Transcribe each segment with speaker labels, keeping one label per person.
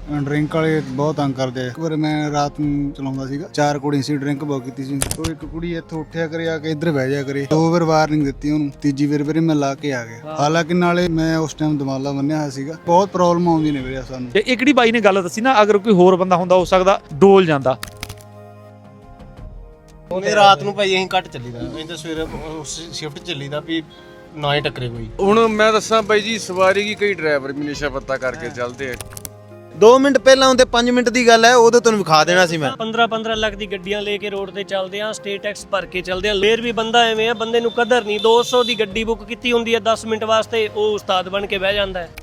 Speaker 1: Drink ਵਾਲੇ ਬਹੁਤ ਤੰਗ ਕਰਦੇ ਆ। ਇੱਕ ਵਾਰ ਮੈਂ ਰਾਤ ਨੂੰ ਚਲਾਉਂਦਾ ਸੀਗਾ, 4 ਕੁੜੀ ਸੀ, ਡਰਿੰਕ ਬਹੁਤ ਕੀਤੀ ਸੀ। ਉਹ ਇੱਕ ਕੁੜੀ ਇੱਥੋਂ ਉੱਠਿਆ ਕਰੇ ਆ ਕੇ ਇੱਧਰ ਬਹਿ ਜਾ ਕਰੇ। 2 ਵਾਰ ਵਾਰਨਿੰਗ ਦਿੱਤੀ ਉਹਨੂੰ, ਤੀਜੀ ਵਾਰ ਵੀਰੇ ਮੈਂ ਲਾ ਕੇ ਆ ਗਿਆ। ਹਾਲਾਂਕਿ ਨਾਲੇ ਮੈਂ ਉਸ ਟਾਈਮ ਦਮਾਲਾ ਬੰਨਿਆ ਹੋਇਆ ਸੀਗਾ। ਬਹੁਤ ਪ੍ਰੋਬਲਮ ਆਉਂਦੀ ਨੇ ਵੀਰੇ ਸਾਨੂੰ।
Speaker 2: ਇਹ ਕਿਹੜੀ ਬਾਈ ਨੇ ਗੱਲ ਦੱਸੀ ਨਾ, ਅਗਰ ਕੋਈ ਹੋਰ ਬੰਦਾ ਹੁੰਦਾ ਹੋ ਸਕਦਾ ਡੋਲ ਜਾਂਦਾ।
Speaker 3: ਉਹਨੇ ਰਾਤ ਨੂੰ ਭਾਈ ਅਸੀਂ ਘੱਟ ਚੱਲੀਦਾ, ਅਸੀਂ ਤਾਂ ਸਵੇਰੇ ਸ਼ਿਫਟ ਚੱਲੀਦਾ ਵੀ ਨਾ ਹੀ ਟੱਕਰੇ ਕੋਈ।
Speaker 4: ਹੁਣ ਮੈਂ ਦੱਸਾਂ ਬਾਈ ਜੀ, ਸਵਾਰੀ ਕੀ ਕਈ ਡਰਾਈਵਰ ਵੀ ਨਸ਼ਾ ਪੱਤਾ ਕਰਕੇ ਚੱਲਦੇ ਆ।
Speaker 3: 2 ਮਿੰਟ ਪਹਿਲਾਂ ਹੁੰਦੇ 5 ਮਿੰਟ ਦੀ ਗੱਲ ਹੈ, ਉਦੋਂ ਤੁਹਾਨੂੰ ਵਿਖਾ ਦੇਣਾ ਸੀ ਮੈਂ।
Speaker 5: 15-15 ਲੱਖ ਦੀ ਗੱਡੀਆਂ ਲੈ ਕੇ ਰੋਡ ਤੇ ਚੱਲਦੇ ਆ, ਸਟੇਟ ਟੈਕਸ ਭਰ ਕੇ ਚੱਲਦੇ ਆ। ਫੇਰ ਵੀ ਬੰਦਾ ਐਵੇਂ ਆ, ਬੰਦੇ ਨੂੰ ਕਦਰ ਨਹੀਂ। 200 ਦੀ ਗੱਡੀ ਬੁੱਕ ਕੀਤੀ ਹੁੰਦੀ ਹੈ 10 ਮਿੰਟ ਵਾਸਤੇ, ਉਹ ਉਸਤਾਦ ਬਣ ਕੇ ਬਹਿ ਜਾਂਦਾ ਹੈ।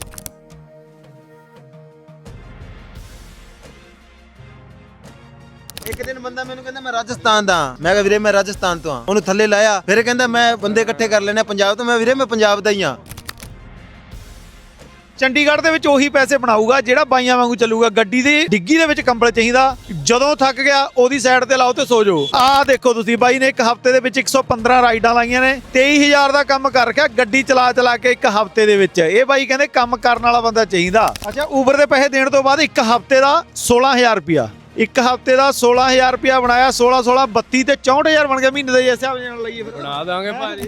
Speaker 3: ਇੱਕ ਦਿਨ ਬੰਦਾ ਮੈਨੂੰ ਕਹਿੰਦਾ ਮੈਂ ਰਾਜਸਥਾਨ ਦਾ, ਮੈਂ ਕਿਹਾ ਵੀਰੇ ਮੈਂ ਰਾਜਸਥਾਨ ਤੋਂ ਆ। ਉਹਨੂੰ ਥੱਲੇ ਲਾਇਆ, ਫਿਰ ਕਹਿੰਦਾ ਮੈਂ ਬੰਦੇ ਇਕੱਠੇ ਕਰ ਲੈਣੇ ਪੰਜਾਬ ਤੋਂ। ਮੈਂ ਵੀਰੇ ਮੈਂ ਪੰਜਾਬ ਦਾ ਹੀ ਆ।
Speaker 2: ਚੰਡੀਗੜ੍ਹ ਦੇ ਵਿੱਚ ਉਹੀ ਪੈਸੇ ਬਣਾਊਗਾ ਜਿਹੜਾ ਬਾਈਆਂ ਵਾਂਗੂ ਚੱਲੂਗਾ। ਗੱਡੀ ਦੀ ਡਿੱਗੀ ਦੇ ਵਿੱਚ ਕੰਬਲ ਚਾਹੀਦਾ, ਜਦੋਂ ਥੱਕ ਗਿਆ ਉਹਦੀ ਸਾਈਡ ਤੇ ਲਾਓ ਤੇ ਸੋ ਜਾਓ। ਆਹ ਦੇਖੋ ਤੁਸੀਂ, ਬਾਈ ਨੇ ਇੱਕ ਹਫ਼ਤੇ ਦੇ ਵਿੱਚ 115 ਰਾਈਡਾਂ ਲਾਈਆਂ ਨੇ, 23,000 ਦਾ ਕੰਮ ਕਰ ਰੱਖਿਆ ਗੱਡੀ ਚਲਾ ਕੇ ਇੱਕ ਹਫ਼ਤੇ ਦੇ ਵਿੱਚ। ਇਹ ਬਾਈ ਕਹਿੰਦੇ ਕੰਮ ਕਰਨ ਵਾਲਾ ਬੰਦਾ ਚਾਹੀਦਾ। ਅੱਛਾ, ਊਬਰ ਦੇ ਪੈਸੇ ਦੇਣ ਤੋਂ ਬਾਅਦ ਇੱਕ ਹਫ਼ਤੇ ਦਾ 16,000 ਰੁਪਿਆ, ਇੱਕ ਹਫ਼ਤੇ ਦਾ 16,000 ਰੁਪਿਆ ਬਣਾਇਆ। 16 32 ਤੇ 64,000 ਬਣ ਗਿਆ ਮਹੀਨੇ ਦਾ। ਇਸ ਹਿਸਾਬ ਨਾਲ ਲਈਏ ਫਿਰ
Speaker 4: ਬਣਾ ਦਾਂਗੇ ਭਾਜੀ।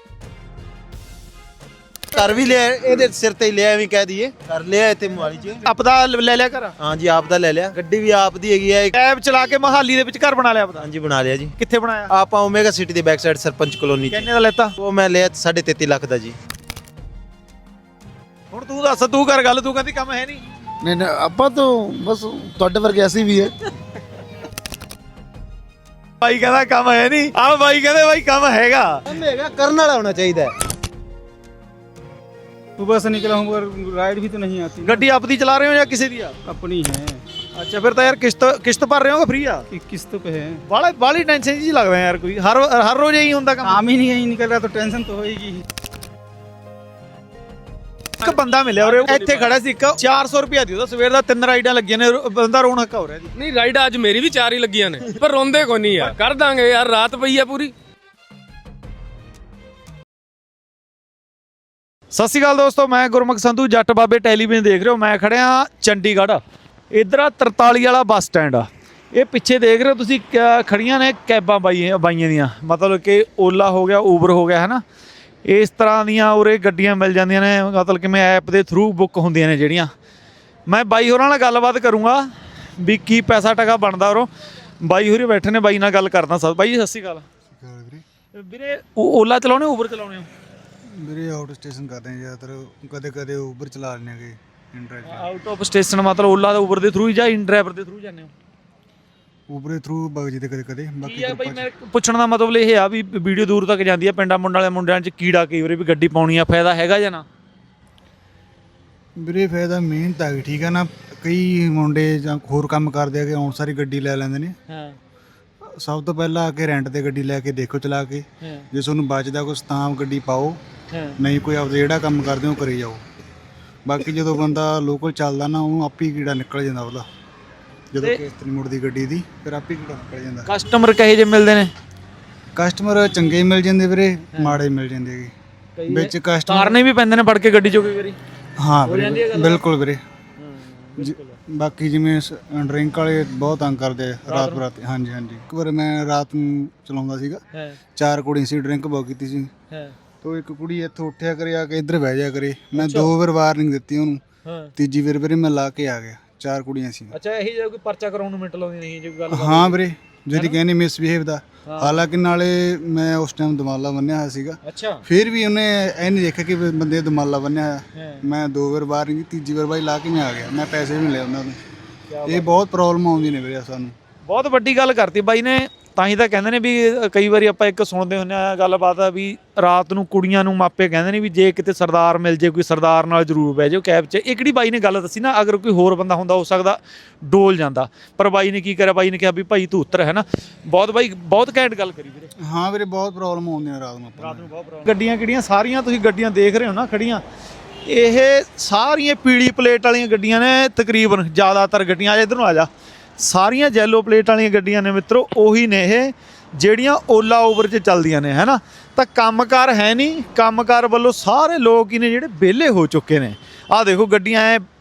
Speaker 3: ਘਰ ਵੀ ਲਿਆ, ਇਹਦੇ ਸਿਰ ਤੇ ਹੀ ਲਿਆ, ਐਵੇਂ ਕਹਿ ਦਈਏ ਕਰ ਲਿਆ ਇੱਥੇ ਮੋਹਾਲੀ ਚ।
Speaker 2: ਆਪਦਾ ਲੈ ਲਿਆ ਘਰ?
Speaker 3: ਹਾਂਜੀ ਆਪ ਦਾ ਲੈ ਲਿਆ, ਗੱਡੀ ਵੀ ਆਪ ਦੀ ਹੈਗੀ ਹੈ।
Speaker 2: ਕੈਬ ਚਲਾ ਕੇ ਮਹਾਲੀ ਦੇ ਵਿੱਚ ਘਰ ਬਣਾ ਲਿਆ ਆਪਦਾ?
Speaker 3: ਹਾਂਜੀ ਬਣਾ ਲਿਆ ਜੀ।
Speaker 2: ਕਿੱਥੇ ਬਣਾਇਆ?
Speaker 3: ਆਪਾਂ ਓਮੇਗਾ ਸਿਟੀ ਦੇ ਬੈਕ ਸਾਈਡ ਸਰਪੰਚ ਕਲੋਨੀ ਚ।
Speaker 2: ਕਿੰਨੇ ਦਾ ਲੈਤਾ?
Speaker 3: ਉਹ ਮੈਂ ਲਿਆ 33.5 ਲੱਖ ਦਾ ਜੀ।
Speaker 2: ਹੁਣ ਤੂੰ ਦੱਸ, ਤੂੰ ਕਰ ਗੱਲ। ਤੂੰ ਕਹਿੰਦੀ ਕੰਮ ਹੈ ਨਹੀਂ।
Speaker 1: ਨਹੀਂ ਆਪਾਂ ਤਾਂ ਬਸ ਤੁਹਾਡੇ ਵਰਗੇ ਅਸੀਂ ਵੀ ਹੈ।
Speaker 2: ਬਾਈ ਕਹਿੰਦਾ ਕੰਮ ਹੈ ਨਹੀਂ, ਆਹ ਬਾਈ ਕਹਿੰਦੇ ਬਾਈ ਕੰਮ ਹੈਗਾ।
Speaker 3: ਹੈਗਾ, ਕਰਨ ਵਾਲਾ ਹੋਣਾ ਚਾਹੀਦਾ ਹੈ।
Speaker 6: सुबह से निकला हूँ पर राइड भी तो नहीं आती।
Speaker 2: ਗੱਡੀ ਆਪਦੀ ਚਲਾ ਰਹੇ ਹੋ ਜਾਂ ਕਿਸੇ ਦੀ ਆ?
Speaker 6: अपनी है
Speaker 2: ਅੱਛਾ, ਫਿਰ ਤਾਂ ਯਾਰ ਕਿਸ਼ਤ ਭਰ ਰਹੇ ਹੋ ਕਿ ਫ੍ਰੀ ਆ?
Speaker 6: कि किस्त पे है।
Speaker 2: ਬਾਲੀ ਟੈਨਸ਼ਨ ਜੀ ਲੱਗਦਾ ਯਾਰ। ਕੋਈ ਹਰ ਰੋਜ਼ ਇਹੀ ਹੁੰਦਾ ਕੰਮ?
Speaker 6: काम ही नहीं कहीं निकल रहा तो टेंशन तो होगी।
Speaker 2: ਇੱਕ ਬੰਦਾ ਮਿਲਿਆ ਉਰੇ, ਇੱਥੇ ਖੜਾ ਸੀ, ਇੱਕ 400 ਰੁਪਿਆ ਦੀ ਉਹਦਾ ਸਵੇਰ ਦਾ 3 ਰਾਈਡਾਂ ਲੱਗੀਆਂ ਨੇ। ਬੰਦਾ ਰੋਣ ਹੱਕਾ ਹੋ ਰਿਹਾ ਜੀ।
Speaker 4: ਨਹੀਂ ਰਾਈਡ ਅੱਜ ਮੇਰੀ ਵੀ 4 ਹੀ ਲੱਗੀਆਂ ਨੇ, ਪਰ ਰੋਂਦੇ ਕੋਈ ਨਹੀਂ ਯਾਰ। ਕਰ ਦਾਂਗੇ ਯਾਰ, ਰਾਤ ਪਈ ਆ ਪੂਰੀ।
Speaker 2: ਸਤਿ ਸ਼੍ਰੀ ਅਕਾਲ ਦੋਸਤੋ, ਮੈਂ ਗੁਰਮੁਖ ਸੰਧੂ, ਜੱਟ ਬਾਬੇ ਟੈਲੀਵਿਜ਼ਨ ਦੇਖ ਰਹੇ ਹੋ। ਮੈਂ ਖੜਿਆ ਚੰਡੀਗੜ੍ਹ, ਇੱਧਰ ਆ 43 ਵਾਲਾ ਬੱਸ ਸਟੈਂਡ ਆ। ਇਹ ਪਿੱਛੇ ਦੇਖ ਰਹੇ ਹੋ ਤੁਸੀਂ, ਖੜੀਆਂ ਨੇ ਕੈਬਾਂ ਬਾਈਆਂ ਦੀਆਂ, ਮਤਲਬ ਕਿ ਓਲਾ ਹੋ ਗਿਆ, ਊਬਰ ਹੋ ਗਿਆ, ਹੈ ਨਾ। ਇਸ ਤਰ੍ਹਾਂ ਦੀਆਂ ਉਰੇ ਗੱਡੀਆਂ ਮਿਲ ਜਾਂਦੀਆਂ ਨੇ, ਮਤਲਬ ਕਿ ਮੈਂ ਐਪ ਦੇ ਥਰੂ ਬੁੱਕ ਹੁੰਦੀਆਂ ਨੇ ਜਿਹੜੀਆਂ। ਮੈਂ ਬਾਈ ਹੋਰਾਂ ਨਾਲ ਗੱਲਬਾਤ ਕਰੂੰਗਾ ਵੀ ਕੀ ਪੈਸਾ ਟਕਾ ਬਣਦਾ ਉਰੋਂ। ਬਾਈ ਹੋਰੀ ਬੈਠੇ ਨੇ, ਬਾਈ ਨਾਲ ਗੱਲ ਕਰਦਾ। ਬਾਈ ਜੀ ਸਤਿ ਸ਼੍ਰੀ ਅਕਾਲ। ਵੀਰੇ ਓਲਾ ਚਲਾਉਣੇ, ਊਬਰ ਚਲਾਉਣੇ ਹੋ?
Speaker 1: ਵੀਰੇ ਆਊਟ ਸਟੇਸ਼ਨ ਕਰਦੇ ਆ ਜ਼ਿਆਦਾਤਰ, ਕਦੇ ਕਦੇ ਊਬਰ ਚਲਾ ਲੈਂਦੇ ਆਗੇ।
Speaker 2: ਆਊਟ ਆਫ ਸਟੇਸ਼ਨ ਮਤਲਬ ਓਲਾ ਦਾ ਊਬਰ ਦੇ ਥਰੂ ਜਾਂ ਇਨ ਡਰਾਈਵਰ ਦੇ ਥਰੂ ਜਾਂਦੇ ਹੋ?
Speaker 1: ਊਬਰ ਦੇ ਥਰੂ ਬਗ ਜੀ ਤੇ ਕਦੇ ਕਦੇ। ਬਾਕੀ
Speaker 2: ਬਾਈ ਮੈਂ ਪੁੱਛਣ ਦਾ ਮਤਲਬ ਇਹ ਆ ਵੀ ਵੀਡੀਓ ਦੂਰ ਤੱਕ ਜਾਂਦੀ ਆ, ਪਿੰਡਾਂ ਮੁੰਡਿਆਂ 'ਚ ਕੀੜਾ ਕਈ ਵਾਰੀ ਵੀ ਗੱਡੀ ਪਾਉਣੀ ਆ, ਫਾਇਦਾ ਹੈਗਾ ਜਾਂ ਨਾ?
Speaker 1: ਵੀਰੇ ਫਾਇਦਾ ਮਿਹਨਤ ਆ ਗਈ, ਠੀਕ ਆ ਨਾ। ਕਈ ਮੁੰਡੇ ਜਾਂ ਹੋਰ ਕੰਮ ਕਰਦੇ ਆ ਕਿ ਆਉਣ ਸਾਰੀ ਗੱਡੀ ਲੈ ਲੈਂਦੇ ਨੇ।
Speaker 2: ਹਾਂ,
Speaker 1: ਸਭ ਤੋਂ ਪਹਿਲਾਂ ਆ ਕੇ ਰੈਂਟ ਤੇ ਗੱਡੀ ਲੈ ਕੇ ਦੇਖੋ ਚਲਾ ਕੇ, ਜੇ ਤੁਹਾਨੂੰ ਬਚਦਾ ਕੁਛ ਤਾਂ ਗੱਡੀ ਪਾਓ, ਨਹੀਂ ਕੋਈ ਆਪਦਾ ਜਿਹੜਾ ਕੰਮ ਕਰਦੇ ਹੋ ਕਰੀ ਜਾਓ। ਬਾਕੀ ਜਦੋਂ ਬੰਦਾ ਲੋਕਲ ਚੱਲਦਾ ਨਾ, ਉਹਨੂੰ ਆਪੇ ਕੀੜਾ ਨਿਕਲ ਜਾਂਦਾ ਉਹਦਾ। ਜਦੋਂ ਕਿਸ਼ਤ ਨਹੀਂ ਮੁੜਦੀ ਗੱਡੀ ਦੀ, ਫਿਰ ਆਪੇ ਕੀੜਾ ਨਿਕਲ ਜਾਂਦਾ।
Speaker 2: ਕਸਟਮਰ ਕਹੇ ਜੇ ਮਿਲਦੇ ਨੇ?
Speaker 1: ਕਸਟਮਰ ਚੰਗੇ ਮਿਲ ਜਾਂਦੇ ਵੀਰੇ, ਮਾੜੇ ਮਿਲ ਜਾਂਦੇ ਹੈਗੇ ਵਿੱਚ ਕਸਟਮਰ।
Speaker 2: ਤਾਰਨੇ ਵੀ ਪੈਂਦੇ ਨੇ ਫੜ ਕੇ ਗੱਡੀ 'ਚੋਂ ਕਈ ਵਾਰੀ।
Speaker 1: ਹਾਂ ਵੀਰੇ, ਬਿਲਕੁਲ ਵੀਰੇ। ਬਾਕੀ ਜਿਵੇਂ ਡਰਿੰਕ ਵਾਲੇ ਬਹੁਤ ਤੰਗ ਕਰਦੇ ਆ ਰਾਤ ਬਰਾਤ। ਹਾਂਜੀ ਹਾਂਜੀ, ਇੱਕ ਵਾਰ ਮੈਂ ਰਾਤ ਨੂੰ ਚਲਾਉਂਦਾ ਸੀਗਾ, 4 ਕੁੜੀ ਸੀ, ਡਰਿੰਕ ਬਹੁਤ ਕੀਤੀ ਸੀ। ਤੋ ਇੱਕ ਕੁੜੀ ਇੱਥੋਂ ਉੱਠਿਆ ਕਰੇ ਆ ਕੇ ਇੱਧਰ ਬਹਿ ਜਾ ਕਰੇ। ਮੈਂ 2 ਵਾਰ ਵਾਰਨਿੰਗ ਦਿੱਤੀ ਉਹਨੂੰ, ਤੀਜੀ ਵਾਰ ਵੀਰੇ ਮੈਂ ਲਾ ਕੇ ਆ ਗਿਆ। 4 ਕੁੜੀਆਂ ਸੀ।
Speaker 2: ਅੱਛਾ, ਇਹੀ ਜੇ ਕੋਈ ਪਰਚਾ ਕਰਾਉਣ ਨੂੰ ਮਿੰਟ ਲਾਉਂਦੀ ਨਹੀਂ ਜੇ ਕੋਈ ਗੱਲ?
Speaker 1: ਹਾਂ ਵੀਰੇ, ਜਿਹੜੀ ਕਹਿੰਦੀ ਮਿਸਬਿਹੇਵ ਦਾ। ਹਾਲਾਂਕਿ ਨਾਲੇ ਮੈਂ ਉਸ ਟਾਈਮ ਦਮਾਲਾ ਬੰਨਿਆ ਹੋਇਆ ਸੀਗਾ।
Speaker 2: ਅੱਛਾ,
Speaker 1: ਫਿਰ ਵੀ ਉਹਨੇ ਇਹ ਨਹੀਂ ਦੇਖਿਆ ਕਿ ਬੰਦੇ ਦਮਾਲਾ ਬੰਨਿਆ ਹੋਇਆ। ਮੈਂ 2 ਵਾਰ ਬਾਹਰ ਨਹੀਂ, ਤੀਜੀ ਵਾਰ ਬਾਈ ਲਾ ਕੇ ਮੈਂ ਆ ਗਿਆ। ਮੈਂ ਪੈਸੇ ਵੀ ਨਹੀਂ ਲਏ ਉਹਨਾਂ ਤੋਂ। ਇਹ ਬਹੁਤ ਪ੍ਰੋਬਲਮ ਆਉਂਦੀ ਨੇ ਵੀਰੇ ਸਾਨੂੰ।
Speaker 2: ਬਹੁਤ ਵੱਡੀ ਗੱਲ ਕਰਤੀ ਬਾਈ ਨੇ। ਤਾਂ ਹੀ ਤਾਂ ਕਹਿੰਦੇ ਨੇ ਵੀ ਕਈ ਵਾਰੀ ਆਪਾਂ ਇੱਕ ਸੁਣਦੇ ਹੁੰਦੇ ਆ ਗੱਲਬਾਤ ਆ ਵੀ ਰਾਤ ਨੂੰ ਕੁੜੀਆਂ ਨੂੰ ਮਾਪੇ ਕਹਿੰਦੇ ਨੇ ਵੀ ਜੇ ਕਿਤੇ ਸਰਦਾਰ ਮਿਲ ਜੇ, ਕੋਈ ਸਰਦਾਰ ਨਾਲ ਜ਼ਰੂਰ ਬਹਿ ਜਾਓ ਕੈਬ 'ਚ। ਇਹ ਕਿਹੜੀ ਬਾਈ ਨੇ ਗੱਲ ਦੱਸੀ ਨਾ, ਅਗਰ ਕੋਈ ਹੋਰ ਬੰਦਾ ਹੁੰਦਾ ਹੋ ਸਕਦਾ ਡੋਲ ਜਾਂਦਾ, ਪਰ ਬਾਈ ਨੇ ਕੀ ਕਰਿਆ, ਬਾਈ ਨੇ ਕਿਹਾ ਵੀ ਭਾਈ ਤੂੰ ਉੱਤਰ, ਹੈ ਨਾ। ਬਹੁਤ ਘੈਂਟ ਗੱਲ ਕਰੀ ਵੀਰੇ।
Speaker 1: ਹਾਂ ਵੀਰੇ, ਬਹੁਤ ਪ੍ਰੋਬਲਮ ਆਉਂਦੀਆਂ ਰਾਤ ਨੂੰ।
Speaker 2: ਬਹੁਤ ਪ੍ਰੋਬਲਮ। ਗੱਡੀਆਂ ਕਿਹੜੀਆਂ ਸਾਰੀਆਂ ਤੁਸੀਂ ਗੱਡੀਆਂ ਦੇਖ ਰਹੇ ਹੋ ਨਾ ਖੜੀਆਂ, ਇਹ ਸਾਰੀਆਂ ਪੀਲੀ ਪਲੇਟ ਵਾਲੀਆਂ ਗੱਡੀਆਂ ਨੇ ਤਕਰੀਬਨ। ਜ਼ਿਆਦਾਤਰ ਗੱਡੀਆਂ ਇੱਧਰ ਨੂੰ ਆ ਜਾ, ਸਾਰੀਆਂ ਯੈਲੋ ਪਲੇਟ ਵਾਲੀਆਂ ਗੱਡੀਆਂ ਨੇ ਮਿੱਤਰੋ। ਉਹੀ ਨੇ ਇਹ ਜਿਹੜੀਆਂ ਓਲਾ ਊਬਰ 'ਚ ਚੱਲਦੀਆਂ ਨੇ, ਹੈ ਨਾ। ਤਾਂ ਕੰਮਕਾਰ ਹੈ ਨਹੀਂ, ਕੰਮਕਾਰ ਵੱਲੋਂ ਸਾਰੇ ਲੋਕ ਹੀ ਨੇ ਜਿਹੜੇ ਵਿਹਲੇ ਹੋ ਚੁੱਕੇ ਨੇ। ਆਹ ਦੇਖੋ ਗੱਡੀਆਂ ਐ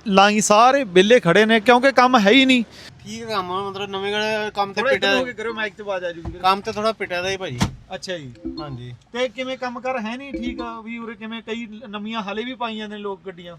Speaker 2: ਲਾਈ ਸਾਰੇ ਵਿਹਲੇ ਖੜੇ ਨੇ ਕਿਉਂਕਿ ਕੰਮ ਹੈ ਹੀ ਨਹੀਂ।
Speaker 7: ਠੀਕ ਕੰਮ ਆ, ਮਤਲਬ ਨਵੇਂ ਕੰਮ ਤੇ
Speaker 2: ਥੋੜਾ
Speaker 7: ਪਿਟਿਆ
Speaker 2: ਇੱਧਰ ਹੋ ਕੇ ਕਰੋ, ਮਾਈਕ ਤੇ ਆਵਾਜ਼ ਆ ਜੂਗੀ।
Speaker 7: ਕੰਮ ਤੇ ਥੋੜਾ ਪਿਟਿਆ ਦਾ ਹੀ ਭਾਜੀ।
Speaker 2: ਅੱਛਾ ਜੀ,
Speaker 7: ਹਾਂਜੀ
Speaker 2: ਤੇ ਕਿਵੇਂ ਕੰਮ ਕਰ ਹੈ ਨਹੀਂ ਠੀਕ ਆ ਵੀ ਉਰੇ ਕਿਵੇਂ ਕਈ ਨਵੀਆਂ ਹਲੇ ਵੀ ਪਾਈ ਜਾਂਦੇ ਨੇ ਲੋਕ ਗੱਡੀਆਂ।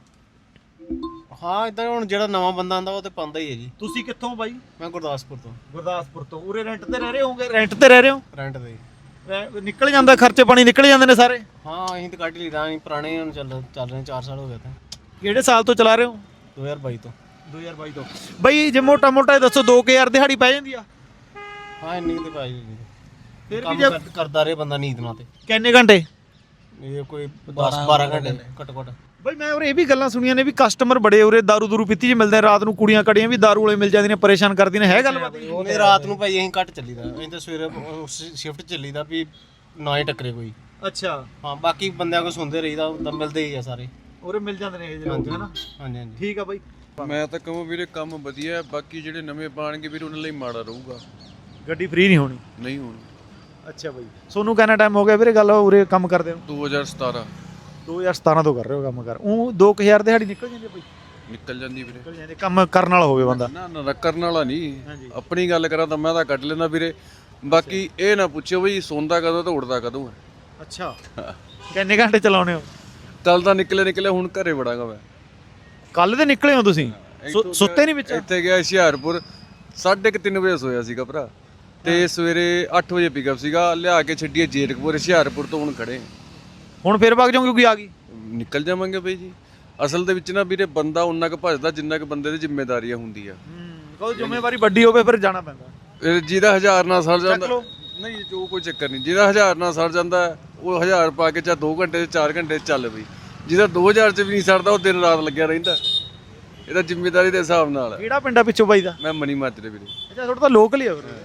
Speaker 7: ਹਾਂ, ਇਦਾਂ ਹੁਣ ਜਿਹੜਾ ਨਵਾਂ ਬੰਦਾ ਆਂਦਾ ਉਹ ਤੇ ਪਾਉਂਦਾ ਹੀ ਹੈ ਜੀ।
Speaker 2: ਤੁਸੀਂ ਕਿੱਥੋਂ ਬਾਈ?
Speaker 7: ਮੈਂ ਗੁਰਦਾਸਪੁਰ ਤੋਂ।
Speaker 2: ਗੁਰਦਾਸਪੁਰ ਤੋਂ। ਉਰੇ ਰੈਂਟ ਤੇ ਰਹਿ ਰਹੇ ਹੋਗੇ? ਰੈਂਟ ਤੇ ਰਹਿ ਰਹੇ ਹੋ?
Speaker 7: ਰੈਂਟ ਤੇ।
Speaker 2: ਨਿਕਲ ਜਾਂਦਾ ਖਰਚੇ ਪਾਣੀ ਨਿਕਲ ਜਾਂਦੇ ਨੇ ਸਾਰੇ?
Speaker 7: ਹਾਂ, ਅਸੀਂ ਤਾਂ ਕੱਢ ਲਈਦਾ, ਅਸੀਂ ਪੁਰਾਣੇ ਹੁਣ ਚੱਲ ਰਹੇ 4 ਸਾਲ ਹੋ ਗਏ ਤਾਂ।
Speaker 2: ਕਿਹੜੇ ਸਾਲ ਤੋਂ ਚਲਾ ਰਹੇ ਹੋ?
Speaker 7: 2022 ਤੋਂ।
Speaker 2: 2022 ਤੋਂ। ਬਈ ਜੇ ਮੋਟਾ ਮੋਟਾ ਦੱਸੋ 2000 ਦਿਹਾੜੀ ਪੈ ਜਾਂਦੀ ਆ?
Speaker 7: ਹਾਂ, ਇੰਨੀ ਤੇ ਭਾਜੀ
Speaker 2: ਫਿਰ ਵੀ
Speaker 7: ਕੰਮ
Speaker 2: ਜੇ
Speaker 7: ਕਰਦਾ ਰਹੇ ਬੰਦਾ ਨੀਂਦ ਨਾਲ ਤੇ।
Speaker 2: ਕਿੰਨੇ ਘੰਟੇ?
Speaker 7: ਇਹ ਕੋਈ 10-12 ਘੰਟੇ ਘੱਟੋ ਘੱਟ।
Speaker 2: ਬਈ ਮੈਂ ਉਰੇ ਇਹ ਵੀ ਗੱਲਾਂ ਸੁਣੀਆਂ ਨੇ ਵੀ ਕਸਟਮਰ ਬੜੇ ਉਰੇ ਦਾਰੂ ਦੂਰੂ ਪੀਤੀ ਜੀ ਮਿਲਦੇ ਨੇ, ਰਾਤ ਨੂੰ ਕੁੜੀਆਂ ਕੜੀਆਂ ਵੀ ਦਾਰੂ ਵਾਲੇ ਮਿਲ ਜਾਂਦੀਆਂ ਨੇ, ਪਰੇਸ਼ਾਨ ਕਰਦੀਆਂ ਨੇ, ਹੈ ਗੱਲਬਾਤ?
Speaker 7: ਨਹੀਂ, ਰਾਤ ਨੂੰ ਭਾਈ ਅਸੀਂ ਘੱਟ ਚੱਲੀਦਾ, ਅਸੀਂ ਤਾਂ ਸਵੇਰੇ ਸ਼ਿਫਟ ਚੱਲੀਦਾ ਵੀ ਨਾ ਹੀ ਟੱਕਰੇ ਕੋਈ।
Speaker 2: ਅੱਛਾ,
Speaker 7: ਹਾਂ, ਬਾਕੀ ਬੰਦਿਆਂ ਕੋ ਸੁਣਦੇ ਰਹੀਦਾ, ਤਾਂ ਮਿਲਦੇ ਹੀ ਆ ਸਾਰੇ।
Speaker 2: ਉਰੇ ਮਿਲ ਜਾਂਦੇ ਨੇ ਇਹ ਜਿਹੇ ਲੋਕ, ਹੈ ਨਾ?
Speaker 7: ਹਾਂਜੀ ਹਾਂਜੀ।
Speaker 2: ਠੀਕ ਆ ਬਾਈ।
Speaker 8: ਮੈਂ ਤਾਂ ਕਹਾਂ ਵੀਰੇ ਕੰਮ ਵਧੀਆ, ਬਾਕੀ ਜਿਹੜੇ ਨਵੇਂ ਪਾਣਗੇ ਵੀਰੇ ਉਹਨਾਂ ਲਈ ਮਾੜਾ ਰਹੂਗਾ।
Speaker 2: ਗੱਡੀ ਫ੍ਰੀ ਨਹੀਂ ਹੋਣੀ?
Speaker 8: ਨਹੀਂ ਹੁਣ।
Speaker 2: ਅੱਛਾ ਬਾਈ, ਸੋਨੂੰ ਕਿੰਨਾ ਟਾਈਮ ਹੋ ਗਿਆ ਵੀਰੇ ਗੱਲ ਉਰੇ ਕੰਮ ਕਰਦੇ ਹੋ?
Speaker 8: 2017
Speaker 2: 2017 ਤੋਂ ਕਰ ਰਹੇ ਹੋ ਕੰਮ ਕਰ। ਉਹ 2000 ਦਿਹਾੜੀ ਨਿਕਲ ਜਾਂਦੀ ਹੈ ਬਾਈ?
Speaker 8: ਨਿਕਲ ਜਾਂਦੀ ਵੀਰੇ।
Speaker 2: ਨਿਕਲ ਜਾਂਦੀ, ਕੰਮ ਕਰਨ ਵਾਲਾ ਹੋਵੇ ਬੰਦਾ।
Speaker 8: ਨਾ ਨਾ ਕਰਨ ਵਾਲਾ ਨਹੀਂ,
Speaker 2: ਹਾਂਜੀ।
Speaker 8: ਆਪਣੀ ਗੱਲ ਕਰਾਂ ਤਾਂ ਮੈਂ ਤਾਂ ਕੱਢ ਲੈਂਦਾ ਵੀਰੇ। ਬਾਕੀ ਇਹ ਨਾ ਪੁੱਛੋ ਬਈ ਸੌਂਦਾ ਕਦੋਂ ਤੇ ਉੱਠਦਾ ਕਦੋਂ ਹੈ।
Speaker 2: ਅੱਛਾ, ਕਿੰਨੇ ਘੰਟੇ ਚਲਾਉਣੇ ਹੋ?
Speaker 8: ਕੱਲ ਤਾਂ ਨਿਕਲੇ ਹੁਣ ਘਰੇ ਵੜਾਂਗਾ ਮੈਂ।
Speaker 2: ਕੱਲ ਦੇ ਨਿਕਲੇ ਹੋ ਤੁਸੀਂ? ਸੁੱਤੇ ਨਹੀਂ ਵਿੱਚ?
Speaker 8: ਇੱਥੇ ਗਿਆ ਹੁਸ਼ਿਆਰਪੁਰ 3:30 ਵਜੇ ਸੋਇਆ ਸੀਗਾ ਭਰਾ, ਤੇ ਸਵੇਰੇ 8 ਵਜੇ ਪਿਕਅਪ ਸੀਗਾ, ਲਿਆ ਕੇ ਛੱਡੀਏ ਜੇਰਕਪੁਰ। ਹੁਸ਼ਿਆਰਪੁਰ ਤੋਂ ਹੁਣ ਖੜੇ
Speaker 2: ਹੁਣ ਫਿਰ ਵਗ ਜਾਓਗੇ ਕੋਈ ਆ ਗਈ?
Speaker 8: ਨਿਕਲ ਜਾਵਾਂਗੇ ਬਈ ਜੀ। ਅਸਲ ਦੇ ਵਿੱਚ ਨਾ ਵੀਰੇ ਬੰਦਾ ਉਨਾ ਕੁ ਭੱਜਦਾ ਜਿੰਨਾ ਕੁ ਬੰਦੇ ਦੀ ਜ਼ਿੰਮੇਵਾਰੀਆਂ ਹੁੰਦੀ ਆ।
Speaker 2: ਕੋਈ ਜ਼ਿੰਮੇਵਾਰੀ ਵੱਡੀ ਹੋਵੇ ਫਿਰ ਜਾਣਾ ਪੈਂਦਾ।
Speaker 8: ਜਿਹਦਾ 1000 ਨਾਲ ਸਰ ਜਾਂਦਾ, ਨਹੀਂ ਜੋ ਕੋਈ ਚੱਕਰ ਨਹੀਂ। ਜਿਹਦਾ 1000 ਨਾਲ ਸਰ ਜਾਂਦਾ ਉਹ 1000 ਪਾ ਕੇ ਚਾਹੇ 2 ਘੰਟੇ 4 ਘੰਟੇ ਚੱਲ ਬਈ। ਜਿਹਦਾ 2000 ਚ ਵੀ ਨਹੀਂ ਸਰਦਾ ਉਹ ਦਿਨ ਰਾਤ ਲੱਗਿਆ ਰਹਿੰਦਾ। ਇਹਦਾ ਜ਼ਿੰਮੇਵਾਰੀ ਦੇ ਹਿਸਾਬ ਨਾਲ।
Speaker 2: ਕਿਹੜਾ ਪਿੰਡਾ ਪਿੱਛੋਂ ਬਾਈ ਦਾ?
Speaker 8: ਮੈਂ ਮਨੀ ਮਾਜਰੇ ਵੀਰੇ।
Speaker 2: ਅੱਛਾ, ਤੁਹਾਡਾ ਤਾਂ ਲੋਕਲ ਹੀ ਆ ਫਿਰ।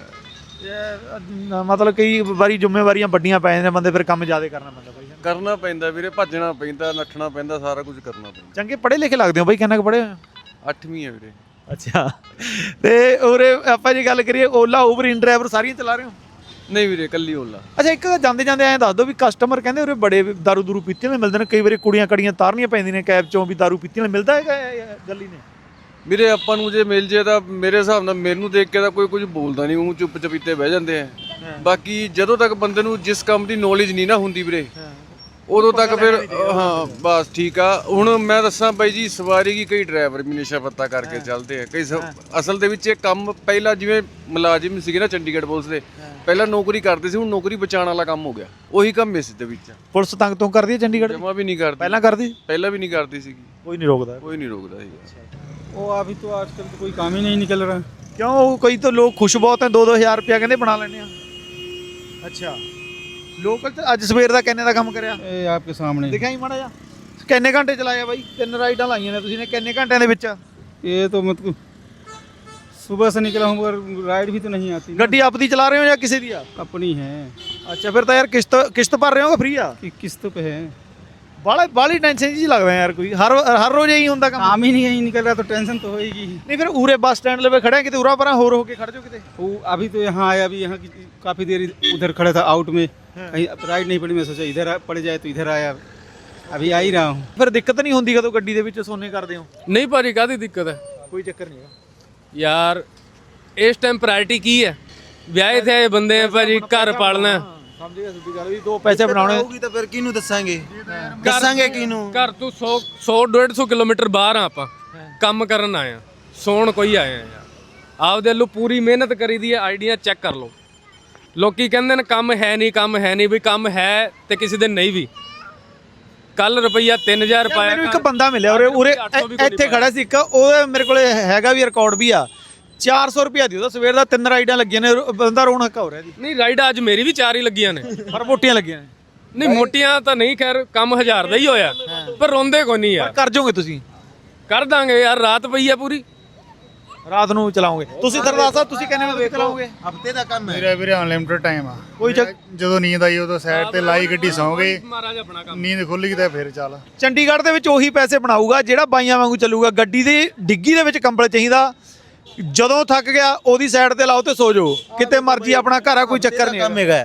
Speaker 2: ਮਤਲਬ ਕਈ ਵਾਰੀ ਜ਼ਿੰਮੇਵਾਰੀਆਂ ਵੱਡੀਆਂ ਪੈ ਜਾਂਦੀਆਂ, ਬੰਦੇ ਫਿਰ ਕੰਮ ਜ਼ਿਆਦਾ ਕਰਨਾ ਪੈਂਦਾ ਬਾਈ।
Speaker 8: ਕਰਨਾ ਪੈਂਦਾ ਵੀਰੇ, ਭੱਜਣਾ ਪੈਂਦਾ, ਨੱਠਣਾ ਪੈਂਦਾ, ਸਾਰਾ ਕੁਝ ਕਰਨਾ ਪੈਂਦਾ।
Speaker 2: ਚੰਗੇ ਪੜ੍ਹੇ ਲਿਖੇ ਲੱਗਦੇ ਹੋ ਬਾਈ, ਕਿੰਨਾ ਕੁ ਪੜ੍ਹੇ ਹੋਏ?
Speaker 8: 8ਵੀਂ ਹੈ ਵੀਰੇ।
Speaker 2: ਅੱਛਾ, ਤੇ ਉਰੇ ਆਪਾਂ ਜੇ ਗੱਲ ਕਰੀਏ ਓਲਾ ਉਬਰ ਇਨ ਡਰਾਈਵਰ ਸਾਰੀਆਂ ਚਲਾ ਰਹੇ ਹੋ?
Speaker 8: ਨਹੀਂ ਵੀਰੇ, ਕੱਲੀ ਓਲਾ।
Speaker 2: ਅੱਛਾ, ਇੱਕ ਜਾਂਦੇ ਜਾਂਦੇ ਐਂ ਦੱਸ ਦਿਓ ਵੀ ਕਸਟਮਰ ਕਹਿੰਦੇ ਉਰੇ ਬੜੇ ਦਾਰੂ ਦੂਰੂ ਪੀਤੀਆਂ ਮਿਲਦੇ ਨੇ, ਕਈ ਵਾਰੀ ਕੁੜੀਆਂ ਕੜੀਆਂ ਤਾਰਨੀਆਂ ਪੈਂਦੀਆਂ ਨੇ ਕੈਬ ਚੋਂ ਵੀ ਦਾਰੂ ਪੀਤੀਆਂ ਮਿਲਦਾ ਹੈਗਾ ਗੱਲੀ ਨੇ?
Speaker 8: ਵੀਰੇ ਆਪਾਂ ਨੂੰ ਜੇ ਮਿਲ ਜੇ ਤਾਂ ਮੇਰੇ ਹਿਸਾਬ ਨਾਲ ਮੈਨੂੰ ਦੇਖ ਕੇ ਤਾਂ ਕੋਈ ਕੁਝ ਬੋਲਦਾ ਨਹੀਂ, ਉਹ ਚੁੱਪ ਚਪੀਤੇ ਬਹਿ ਜਾਂਦੇ ਆ। ਬਾਕੀ ਜਦੋਂ ਤੱਕ ਬੰਦੇ ਨੂੰ ਜਿਸ ਕੰਮ ਦੀ ਨੌਲੇਜ ਨਹੀਂ ਨਾ ਹੁੰਦੀ ਵੀਰੇ, ਉਦੋਂ ਤੱਕ ਫਿਰ ਹਾਂ ਬਸ ਠੀਕ ਆ। ਹੁਣ ਮੈਂ ਦੱਸਾਂ ਬਾਈ ਜੀ, ਸਵਾਰੀ ਕੀ ਕਈ ਡਰਾਈਵਰ ਵੀ ਨਸ਼ਾ ਪੱਤਾ ਕਰਕੇ ਚੱਲਦੇ ਆ ਕਈ। ਅਸਲ ਦੇ ਵਿੱਚ ਇਹ ਕੰਮ ਪਹਿਲਾਂ ਜਿਵੇਂ ਮੁਲਾਜ਼ਮ ਸੀਗੇ ਨਾ ਚੰਡੀਗੜ੍ਹ ਪੁਲਿਸ ਦੇ, ਪਹਿਲਾਂ ਨੌਕਰੀ ਕਰਦੇ ਸੀ, ਹੁਣ ਨੌਕਰੀ ਬਚਾਉਣ ਵਾਲਾ ਕੰਮ ਹੋ ਗਿਆ। ਉਹੀ ਕੰਮ ਇਸ ਦੇ ਵਿੱਚ।
Speaker 2: ਪੁਲਿਸ ਤੰਗ ਤੋਂ ਕਰਦੀ ਹੈ ਚੰਡੀਗੜ੍ਹ?
Speaker 8: ਜਮਾ ਵੀ ਨਹੀਂ ਕਰਦੀ।
Speaker 2: ਪਹਿਲਾਂ ਕਰਦੀ?
Speaker 8: ਪਹਿਲਾਂ ਵੀ ਨਹੀਂ ਕਰਦੀ ਸੀਗੀ।
Speaker 2: ਕੋਈ ਨਹੀਂ ਰੋਕਦਾ?
Speaker 8: ਕੋਈ ਨਹੀਂ ਰੋਕਦਾ ਸੀਗਾ।
Speaker 6: वो अभी तो आजकल तो कोई काम ही नहीं निकल रहा।
Speaker 2: ਕਿਉਂ? ਕਈ ਤਾਂ ਲੋਕ ਖੁਸ਼ ਬਹੁਤ ਹੈ, 2-2000 ਰੁਪਇਆ ਕਹਿੰਦੇ ਬਣਾ ਲੈਣੇ ਆ। ਅੱਛਾ, ਲੋਕਲ ਅੱਜ ਸਵੇਰ ਦਾ ਕਿੰਨੇ ਦਾ ਕੰਮ ਕਰਿਆ?
Speaker 6: ये आपके सामने
Speaker 2: ਦਿਖਾਈ ਮਾੜਾ ਜਿਹਾ। ਕਿੰਨੇ ਘੰਟੇ ਚਲਾਇਆ ਬਾਈ? 3 ਰਾਈਡਾਂ ਲਾਈਆਂ ਨੇ ਤੁਸੀਂ ਨੇ, ਕਿੰਨੇ ਘੰਟਿਆਂ ਦੇ ਵਿੱਚ?
Speaker 6: ये तो मतलब सुबह से निकला हूँ मगर राइड भी तो नहीं आती ना।
Speaker 2: ਗੱਡੀ ਆਪਦੀ ਚਲਾ ਰਹੇ ਹੋ ਜਾਂ ਕਿਸੇ ਦੀ ਆ?
Speaker 6: अपनी है
Speaker 2: ਅੱਛਾ, ਫਿਰ ਤਾਂ ਯਾਰ ਕਿਸ਼ਤ ਭਰ ਰਹੇ ਹੋ ਕਿ ਫ੍ਰੀ ਆ?
Speaker 6: कि किस्त पे है।
Speaker 2: ਬਾਲੀ ਟੈਨਸ਼ਨ ਜੀ ਲੱਗਦਾ ਯਾਰ। ਕੋਈ ਹਰ ਰੋਜ਼ ਇਹੀ ਹੁੰਦਾ ਕੰਮ?
Speaker 6: काम ही नहीं निकल रहा तो टेंशन तो होएगी।
Speaker 2: ਨਹੀਂ ਫਿਰ ਉਰੇ ਬੱਸ ਸਟੈਂਡ ਲਵੇ ਖੜਿਆ, ਕਿਤੇ ਉਰਾ ਪਰਾਂ ਹੋਰ ਹੋ ਕੇ ਖੜ ਜਾਓ ਕਿਤੇ।
Speaker 6: वो अभी तो यहाँ आया, अभी यहाँ की काफ़ी देर उधर खड़ा था आउट में, कहीं राइड नहीं पड़ी, मैं सोचा इधर पड़ जाए तो इधर आया, अभी आ ही रहा हूँ।
Speaker 2: ਫਿਰ ਦਿੱਕत ਨਹੀਂ ਹੁੰਦੀ ਕਦੋਂ ਗੱਡੀ ਦੇ ਵਿੱਚ ਸੋਨੇ ਕਰਦੇ ਹੋ?
Speaker 4: ਨਹੀਂ ਭਾਜੀ, ਕਾਹਦੀ ਦਿੱਕਤ ਹੈ
Speaker 2: ਕੋਈ ਚੱਕਰ ਨਹੀਂ ਹੈਗਾ
Speaker 4: ਯਾਰ। ਇਸ ਟਾਈਮ ਪ੍ਰਾਇੋਰਟੀ ਕੀ ਹੈ? ਵਿਆਹੇ ਤੇ ਬੰਦੇ ਆ ਭਾਜੀ, ਘਰ ਪਾਲਣਾ।
Speaker 2: ਸਮਝ ਗਿਆ ਸਿੱਧੀ ਗੱਲ ਵੀ 2 ਪੈਸੇ ਬਣਾਉਣੇ।
Speaker 3: ਹੋਊਗੀ ਤਾਂ ਫਿਰ ਕਿਹਨੂੰ ਦੱਸਾਂਗੇ? ਦੱਸਾਂਗੇ ਕਿਹਨੂੰ?
Speaker 4: ਘਰ ਤੋਂ 100-150 ਕਿਲੋਮੀਟਰ ਬਾਹਰ ਆ ਆਪਾਂ, ਕੰਮ ਕਰਨ ਆਏ ਆ, ਸੌਣ ਕੋਈ ਆਏ ਆ ਯਾਰ। ਆਪਦੇ ਵੱਲੋਂ ਪੂਰੀ ਮਿਹਨਤ ਕਰੀਦੀ ਹੈ। ਆਈਡੀਆ ਚੈੱਕ ਕਰ ਲਓ। ਲੋਕੀ ਕਹਿੰਦੇ ਨੇ ਕੰਮ ਹੈ ਨਹੀਂ, ਕੰਮ ਹੈ ਨਹੀਂ। ਵੀ ਕੰਮ ਹੈ ਤੇ ਕਿਸੇ ਦਿਨ ਨਹੀਂ ਵੀ। ਕੱਲ ਰੁਪਈਆ 3000 ਪਾਇਆ।
Speaker 2: ਮੈਨੂੰ ਇੱਕ ਬੰਦਾ ਮਿਲਿਆ ਉਰੇ ਇੱਥੇ ਖੜਾ ਸੀ ਇੱਕ, ਉਹ ਮੇਰੇ ਕੋਲੇ ਹੈਗਾ ਵੀ ਰਿਕਾਰਡ ਵੀ ਆ। 400 ਰੁਪਿਆ ਦੀ ਉਹਦਾ ਸਵੇਰ ਦਾ 3 ਰਾਈਡਾਂ ਲੱਗੀਆਂ ਨੇ, ਬੰਦਾ ਰੋਣ ਹੱਕਾ ਹੋ ਰਿਹਾ ਜੀ।
Speaker 4: ਨਹੀਂ, ਰਾਈਡ ਅੱਜ ਮੇਰੀ ਵੀ 4 ਹੀ ਲੱਗੀਆਂ ਨੇ,
Speaker 2: ਪਰ ਮੋਟੀਆਂ ਲੱਗੀਆਂ ਨੇ।
Speaker 4: ਨਹੀਂ ਮੋਟੀਆਂ ਤਾਂ ਨਹੀਂ, ਖੈਰ ਕੰਮ 1000 ਦਾ ਹੀ ਹੋਇਆ, ਪਰ ਰੋਂਦੇ ਕੋਈ ਨਹੀਂ ਯਾਰ।
Speaker 2: ਕਰ ਜਾਓਗੇ ਤੁਸੀਂ?
Speaker 4: ਕਰ ਦਾਂਗੇ ਯਾਰ, ਰਾਤ ਪਈ ਆ ਪੂਰੀ।
Speaker 2: ਰਾਤ ਨੂੰ ਚਲਾਓਗੇ ਤੁਸੀਂ? ਸਰਦਾਰ ਸਾਹਿਬ ਤੁਸੀਂ ਕਹਿੰਦੇ ਹੋ ਚਲਾਓਗੇ?
Speaker 3: ਹਫਤੇ ਦਾ ਕੰਮ ਹੈ
Speaker 1: ਮੇਰਾ ਵੀਰੇ ਅਨਲਿਮਿਟਡ ਟਾਈਮ ਆ।
Speaker 2: ਕੋਈ
Speaker 1: ਜਦੋਂ ਨੀਂਦ ਆਈ ਉਦੋਂ ਸਾਈਡ ਤੇ ਲਾਈ ਗੱਡੀ, ਸੌਂ ਗਏ।
Speaker 4: ਮਹਾਰਾਜ ਆਪਣਾ ਕੰਮ।
Speaker 1: ਨੀਂਦ ਖੁੱਲ ਗਈ ਤਾਂ ਫਿਰ ਚੱਲ।
Speaker 2: ਚੰਡੀਗੜ੍ਹ ਦੇ ਵਿੱਚ ਉਹੀ ਪੈਸੇ ਬਣਾਊਗਾ ਜਿਹੜਾ ਬਾਈਆਂ ਵਾਂਗੂ ਚੱਲੂਗਾ। ਗੱਡੀ ਦੀ ਡਿੱਗੀ ਦੇ ਵਿੱਚ ਕੰਬਲ ਚਾਹੀਦਾ, ਜਦੋਂ ਥੱਕ ਗਿਆ ਉਹਦੀ ਸਾਈਡ ਤੇ ਲਾਓ ਤੇ ਸੋ ਜਾਓ, ਕਿਤੇ ਮਰਜ਼ੀ ਆਪਣਾ ਘਰ ਆ, ਕੋਈ ਚੱਕਰ ਨਹੀਂ
Speaker 3: ਕੰਮ ਹੈਗਾ।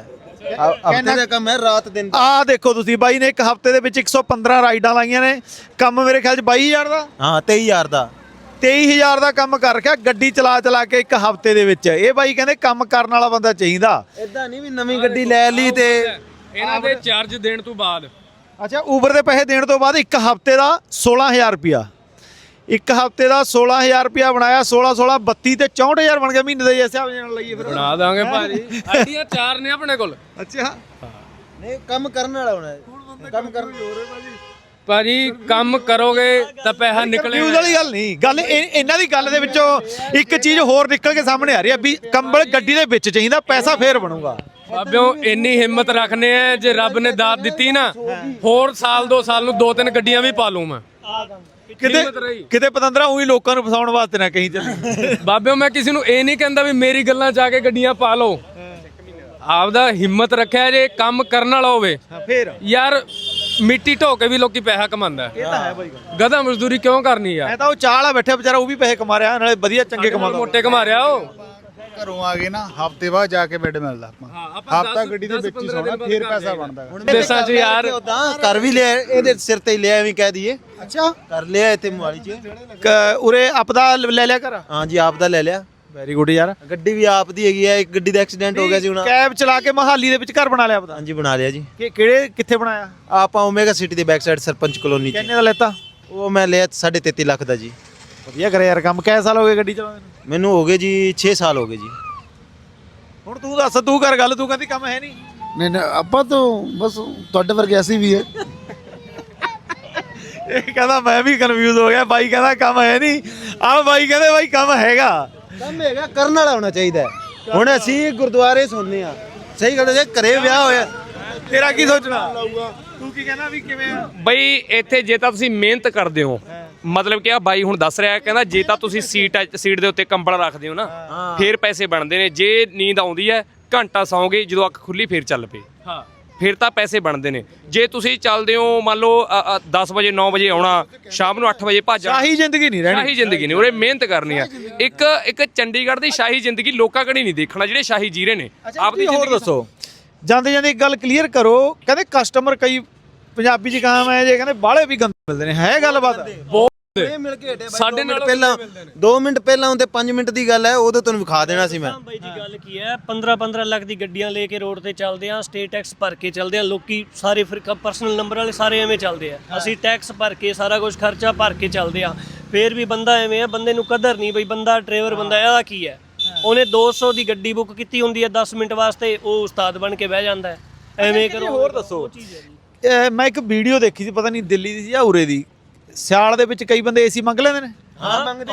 Speaker 3: ਹਫਤੇ ਦਾ ਕੰਮ ਹੈ, ਰਾਤ ਦਿਨ ਦਾ।
Speaker 2: ਆਹ ਦੇਖੋ ਤੁਸੀਂ ਬਾਈ ਨੇ ਇੱਕ ਹਫਤੇ ਦੇ ਵਿੱਚ 115 ਰਾਈਡਾਂ ਲਾਈਆਂ ਨੇ। ਕੰਮ ਮੇਰੇ ਖਿਆਲ 'ਚ 22,000 ਦਾ,
Speaker 3: ਹਾਂ 23,000 ਦਾ
Speaker 2: 23,000 ਦਾ ਕੰਮ ਕਰ ਰੱਖਿਆ ਗੱਡੀ ਚਲਾ ਕੇ ਇੱਕ ਹਫਤੇ ਦੇ ਵਿੱਚ। ਇਹ ਬਾਈ ਕਹਿੰਦੇ ਕੰਮ ਕਰਨ ਵਾਲਾ ਬੰਦਾ ਚਾਹੀਦਾ।
Speaker 3: ਇਦਾਂ ਨਹੀਂ ਵੀ ਨਵੀਂ ਗੱਡੀ ਲੈ ਲਈ ਤੇ
Speaker 4: ਇਹਨਾਂ ਦੇ ਚਾਰਜ ਦੇਣ ਤੋਂ ਬਾਅਦ
Speaker 2: ਅੱਛਾ, ਊਬਰ ਦੇ ਪੈਸੇ ਦੇਣ ਤੋਂ ਬਾਅਦ ਇੱਕ ਹਫਤੇ ਦਾ 16,000 ਰੁਪਿਆ, ਇੱਕ ਹਫਤੇ ਦਾ 16,000 ਰੁਪਿਆ ਬਣਾਇਆ। 16 16 32 ਤੇ 64,000 ਬਣ ਗਿਆ ਮਹੀਨੇ ਦੇ ਹਿਸਾਬ ਨਾਲ ਲਈਏ ਫਿਰ।
Speaker 4: ਬਣਾ ਦਾਂਗੇ ਭਾਜੀ, ਆਈਡੀਆਂ 4 ਨੇ ਆਪਣੇ ਕੋਲ।
Speaker 2: ਅੱਛਾ,
Speaker 3: ਨਹੀਂ ਕੰਮ ਕਰਨ ਵਾਲਾ ਹੋਣਾ ਕੰਮ ਕਰਨ
Speaker 4: ਭਾਜੀ ਕੰਮ ਕਰੋਗੇ ਤਾਂ ਪੈਸਾ ਨਿਕਲੇਗਾ।
Speaker 2: ਨਿਊਜ਼ ਵਾਲੀ ਗੱਲ ਨਹੀਂ, ਗੱਲ ਇਹਨਾਂ ਦੀ ਗੱਲ ਦੇ ਵਿੱਚੋਂ ਇੱਕ ਚੀਜ਼ ਹੋਰ ਨਿਕਲ ਕੇ ਸਾਹਮਣੇ ਆ ਰਹੀ ਹੈ ਵੀ ਕੰਬਲ ਗੱਡੀ ਦੇ ਵਿੱਚ ਚਾਹੀਦਾ, ਪੈਸਾ ਫੇਰ ਬਣੂਗਾ।
Speaker 4: ਬਾਬਿਓ ਇੰਨੀ ਹਿੰਮਤ ਰੱਖਨੇ ਆ, ਜੇ ਰੱਬ ਨੇ ਦਾਤ ਦਿੱਤੀ ਨਾ ਹੋਰ ਸਾਲ 2 ਸਾਲ ਨੂੰ 2-3 ਗੱਡੀਆਂ ਵੀ ਪਾ ਲੂੰ ਮੈਂ।
Speaker 2: ਕਿਤੇ ਪਤੰਦਰਾ ਉਹੀ ਲੋਕਾਂ ਨੂੰ ਫਸਾਉਣ ਵਾਸਤੇ ਨਾ ਕਹੀਂ ਚੱਲੀ।
Speaker 4: ਬਾਬਿਓ ਮੈਂ ਕਿਸੇ ਨੂੰ ਇਹ ਨਹੀਂ ਕਹਿੰਦਾ ਵੀ ਮੇਰੀ ਗੱਲਾਂ 'ਚ ਆ ਕੇ ਗੱਡੀਆਂ ਪਾ ਲਓ। ਆਪਦਾ ਹਿੰਮਤ ਰੱਖਿਆ ਜੇ ਕੰਮ ਕਰਨ ਵਾਲਾ ਹੋਵੇ
Speaker 2: ਫੇਰ
Speaker 4: ਯਾਰ ਮਿੱਟੀ ਢੋ ਕੇ ਵੀ ਲੋਕੀ ਪੈਸਾ ਕਮਾਉਂਦਾ।
Speaker 2: ਇਹ ਤਾਂ ਹੈ ਬਾਈ,
Speaker 4: ਗਧਾ ਮਜ਼ਦੂਰੀ ਕਿਉਂ ਕਰਨੀ ਯਾਰ?
Speaker 2: ਐ ਤਾਂ ਉਹ ਚਾਹ ਵਾਲਾ ਬੈਠਾ ਵਿਚਾਰਾ, ਉਹ ਵੀ ਪੈਸੇ ਕਮਾ ਰਿਹਾ, ਨਾਲੇ ਵਧੀਆ ਚੰਗੇ ਕਮਾਉਂਦਾ।
Speaker 4: ਮੋਟੇ ਕਮਾ ਰਿਹਾ ਉਹ।
Speaker 1: ਘਰੋਂ ਆ ਗਏ ਨਾ ਹਫਤੇ ਬਾਅਦ ਜਾ ਕੇ ਬੈੱਡ ਮਿਲਦਾ ਆਪਾਂ ਹਫਤਾ ਗੱਡੀ ਦੇ ਵਿੱਚ ਹੀ ਸੌਣਾ, ਫੇਰ ਪੈਸਾ ਬਣਦਾ।
Speaker 4: ਦੇਸਾਂ 'ਚ ਯਾਰ
Speaker 3: ਉਦਾਂ ਕਰ ਵੀ ਲਿਆ, ਇਹਦੇ ਸਿਰ ਤੇ ਹੀ ਲਿਆ ਐਵੇਂ ਕਹਿ ਦਈਏ।
Speaker 2: ਅੱਛਾ,
Speaker 3: ਕਰ ਲਿਆ ਇੱਥੇ ਮੋਹਾਲੀ 'ਚ।
Speaker 2: ਉਰੇ ਆਪਦਾ ਲੈ ਲਿਆ ਕਰ।
Speaker 3: ਹਾਂ ਜੀ, ਆਪ ਦਾ ਲੈ ਲਿਆ।
Speaker 2: ਵੈਰੀ ਗੁੱਡ ਯਾਰ।
Speaker 3: ਗੱਡੀ ਵੀ ਆਪ ਦੀ ਹੈਗੀ ਹੈ। ਇੱਕ ਗੱਡੀ ਦਾ ਐਕਸੀਡੈਂਟ ਹੋ ਗਿਆ ਸੀ ਹੁਣ।
Speaker 2: ਕੈਬ ਚਲਾ ਕੇ ਮਹਾਲੀ ਦੇ ਵਿੱਚ ਘਰ ਬਣਾ ਲਿਆ ਆਪਦਾ।
Speaker 3: ਹਾਂਜੀ ਬਣਾ ਲਿਆ ਜੀ।
Speaker 2: ਕਿੱਥੇ ਬਣਾਇਆ?
Speaker 3: ਆਪਾਂ ਓਮੇਗਾ ਸਿਟੀ ਦੇ ਬੈਕ ਸਾਈਡ ਸਰਪੰਚ ਕਲੋਨੀ 'ਚ।
Speaker 2: ਕਿੰਨੇ ਦਾ ਲੈਤਾ?
Speaker 3: ਉਹ ਮੈਂ ਲਿਆ 33.5 ਲੱਖ ਦਾ ਜੀ।
Speaker 2: ਵਧੀਆ ਕਰਿਆ ਯਾਰ ਕੰਮ। ਕਿੰਨੇ ਸਾਲ ਹੋ ਗਏ ਗੱਡੀ ਚਲਾਉਂਦੇ ਨੂੰ?
Speaker 3: ਮੈਨੂੰ ਹੋ ਗਏ ਜੀ 6 ਸਾਲ ਹੋ ਗਏ ਜੀ।
Speaker 2: ਹੁਣ ਤੂੰ ਦੱਸ, ਤੂੰ ਕਰ ਗੱਲ। ਤੂੰ ਕਹਿੰਦੀ ਕੰਮ ਹੈ ਨਹੀਂ।
Speaker 1: ਨਹੀਂ ਆਪਾਂ ਤਾਂ ਬਸ ਤੁਹਾਡੇ ਵਰਗੇ ਅਸੀਂ ਵੀ ਹੈ।
Speaker 2: ਇਹ ਕਹਿੰਦਾ ਮੈਂ ਵੀ ਕਨਫਿਊਜ਼ ਹੋ ਗਿਆ। ਬਾਈ ਕਹਿੰਦਾ ਕੰਮ ਹੈ ਨਹੀਂ, ਆਹ ਬਾਈ ਕਹਿੰਦੇ ਬਾਈ ਕੰਮ ਹੈਗਾ।
Speaker 3: ਕੰਮ ਹੈਗਾ, ਕਰਨ ਵਾਲਾ ਹੋਣਾ ਚਾਹੀਦਾ। ਹੁਣ ਅਸੀਂ ਗੁਰਦੁਆਰੇ ਸੁਣਨੇ ਆ, ਸਹੀ ਗੱਲ ਹੈ। ਘਰੇ ਵਿਆਹ ਹੋਇਆ,
Speaker 2: ਤੇਰਾ ਕੀ ਸੋਚਣਾ? ਤੂੰ ਕੀ ਕਹਿੰਦਾ ਵੀ ਕਿਵੇਂ ਆ?
Speaker 9: ਬਈ ਇੱਥੇ ਜੇ ਤਾਂ ਤੁਸੀਂ ਮਿਹਨਤ ਕਰਦੇ ਹੋ, ਮਤਲਬ ਕਿ ਆ ਬਾਈ ਹੁਣ ਦੱਸ ਰਿਹਾ, ਕਹਿੰਦਾ ਜੇ ਤਾਂ ਤੁਸੀਂ ਸੀਟ ਦੇ ਉੱਤੇ ਕੰਬਲ ਰੱਖਦੇ ਹੋ ਨਾ, ਫੇਰ ਪੈਸੇ ਬਣਦੇ ਨੇ। ਜੇ ਨੀਂਦ ਆਉਂਦੀ ਹੈ ਘੰਟਾ ਸੌਂਗੇ, ਜਦੋਂ ਅੱਖ ਖੁੱਲੀ ਫੇਰ ਚੱਲ ਪਏ, ਫਿਰ ਤਾਂ ਪੈਸੇ ਬਣਦੇ ਨੇ। ਜੇ ਤੁਸੀਂ ਚੱਲਦੇ ਹੋ ਮੰਨ ਲਓ 10 ਵਜੇ 9 ਵਜੇ ਆਉਣਾ, ਸ਼ਾਮ ਨੂੰ 8 ਵਜੇ ਭੱਜ ਜਾਣਾ,
Speaker 2: ਸ਼ਾਹੀ ਜ਼ਿੰਦਗੀ ਨਹੀਂ ਰਹਿਣੀ।
Speaker 9: ਸ਼ਾਹੀ ਜ਼ਿੰਦਗੀ ਨਹੀਂ, ਉਰੇ ਮਿਹਨਤ ਕਰਨੀ ਆ। ਇੱਕ ਚੰਡੀਗੜ੍ਹ ਦੀ ਸ਼ਾਹੀ ਜ਼ਿੰਦਗੀ ਲੋਕਾਂ ਕਣੀ ਨਹੀਂ ਦੇਖਣਾ, ਜਿਹੜੇ ਸ਼ਾਹੀ ਜੀ ਰਹੇ ਨੇ।
Speaker 2: ਆਪਦੀ ਹੋਰ ਦੱਸੋ, ਜਾਂਦੇ ਜਾਂਦੇ ਇੱਕ ਗੱਲ ਕਲੀਅਰ ਕਰੋ। ਕਹਿੰਦੇ ਕਸਟਮਰ ਕਈ ਪੰਜਾਬੀ ਚ ਕਹਾਮ ਹੈ ਜੇ, ਕਹਿੰਦੇ ਬਾਹਲੇ ਵੀ ਗੰਦੇ ਮਿਲਦੇ ਨੇ। ਹੈ ਗੱਲਬਾਤ?
Speaker 3: ਮਿਲ ਕੇ ਹਟੇ
Speaker 4: ਸਾਡੇ ਨਾਲ
Speaker 3: ਪਹਿਲਾਂ 2 ਮਿੰਟ ਪਹਿਲਾਂ ਹੁੰਦੇ 5 ਮਿੰਟ ਦੀ ਗੱਲ ਹੈ, ਉਦੋਂ ਤੁਹਾਨੂੰ ਵਿਖਾ ਦੇਣਾ ਸੀ ਮੈਂ।
Speaker 5: ਬਾਈ ਜੀ ਗੱਲ ਕੀ ਹੈ, 15-15 ਲੱਖ ਦੀ ਗੱਡੀਆਂ ਲੈ ਕੇ ਰੋਡ ਤੇ ਚੱਲਦੇ ਆ, ਸਟੇਟ ਟੈਕਸ ਭਰ ਕੇ ਚੱਲਦੇ ਆ। ਲੋਕੀ ਸਾਰੇ ਫਿਰ ਪਰਸਨਲ ਨੰਬਰ ਵਾਲੇ ਸਾਰੇ ਐਵੇਂ ਚੱਲਦੇ ਆ। ਅਸੀਂ ਟੈਕਸ ਭਰ ਕੇ ਸਾਰਾ ਕੁਝ ਖਰਚਾ ਭਰ ਕੇ ਚੱਲਦੇ ਆ, ਫੇਰ ਵੀ ਬੰਦਾ ਐਵੇਂ ਆ, ਬੰਦੇ ਨੂੰ ਕਦਰ ਨਹੀਂ। ਬਈ ਬੰਦਾ ਡਰਾਈਵਰ ਬੰਦਾ ਇਹਦਾ ਕੀ ਹੈ, ਉਹਨੇ 200 ਦੀ ਗੱਡੀ ਬੁੱਕ ਕੀਤੀ ਹੁੰਦੀ ਹੈ 10 ਮਿੰਟ ਵਾਸਤੇ, ਉਹ ਉਸਤਾਦ ਬਣ ਕੇ ਬਹਿ ਜਾਂਦਾ ਹੈ। ਐਵੇਂ ਕਰੋ।
Speaker 2: ਹੋਰ ਦੱਸੋ, ਮੈਂ ਇੱਕ ਵੀਡੀਓ ਦੇਖੀ ਸੀ, ਪਤਾ ਨਹੀਂ ਦਿੱਲੀ ਦੀ ਸੀ ਜਾਂ ਉਰੇ ਦੀ। ਸਿਆਲ ਦੇ ਵਿੱਚ ਕਈ ਬੰਦੇ ਏਸੀ ਮੰਗ ਲੈਂਦੇ ਨੇ।
Speaker 3: ਹਾਂ ਮੰਗਦੇ